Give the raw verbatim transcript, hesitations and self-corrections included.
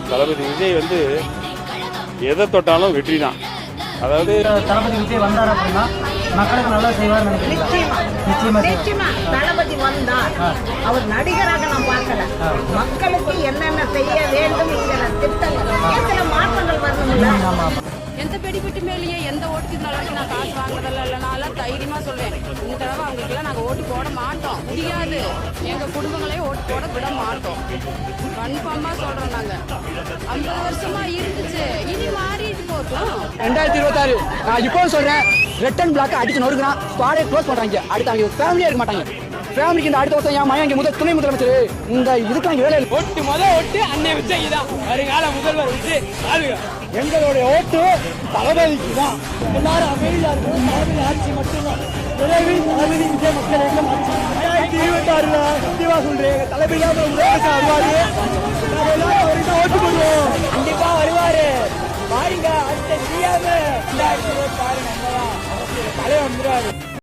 தளபதி விஜய் வந்து எதை தொட்டாலும் வெற்றி தான். அதாவது தளபதி விஜய் வந்தார் அப்படின்னா மக்களுக்கு நல்லா செய்வார் நிச்சயமா நிச்சயமா தளபதி வந்தார். அவர் நடிகராக நான் பார்க்கல, மக்களுக்கு என்னென்ன செய்ய வேண்டும் என்கிற திட்டங்கள் சில மாற்றங்கள் வரணும்ல. எந்த பெடிபிட்டு மேலேயே எந்த ஓட்டுக்கு நாளைக்கு நான் காசு வாங்குறதில்ல இல்லை. நான் தைரியமா சொல்றேன், இந்த தடவை அவங்களுக்குலாம் நாங்கள் ஓட்டு போட மாட்டோம், முடியாது. எங்க குடும்பங்களையும் ஓட்டு போட விட மாட்டோம், கன்ஃபார்மா சொல்றோம். நாங்க ஐம்பது வருஷமா இருந்துச்சு, இனி மாறிட்டு போட்டோம். ரெண்டாயிரத்தி இருபத்தாறு நான் இப்போ சொல்றேன், ரெட் அண்ட் பிளாக் அடிச்சு நொறுக்குனா ஸ்குவாடே க்ளோஸ் பண்றாங்க. அடுத்து அவங்க ஃபேமிலியா இருக்க மாட்டாங்க. ஃபேமிலிக்கு இந்த அடுத்த வருஷம் என் மையம் இங்கே முதல் துணை முதலமைச்சர் இந்த இதுக்கு அங்கே வேலை ஓட்டு முதல் ஓட்டு அன்னை விஜய் தான், வருங்கால முதல்வர் விஜய். எங்களுடைய ஓட்டு தளபதிக்கு தான். எல்லாரும் அமைதியா இருக்கணும், தளபதி ஆட்சி மட்டும்தான். விரைவில் தளபதி விஜய் மக்கள் எல்லாம் ஆட்சி. ரெண்டாயிரத்தி இருபத்தி ஆறுல சத்தியமா சொல்றேன், தளபதி தான் வருவாரு. ஓட்டு போடுவோம், கண்டிப்பா வருவாரு. பாருங்க அடுத்த சிஎம் ரெண்டாயிரத்தி இருபத்தி ஆறு நம்ம தான் தலைவர் வந்துருவாரு.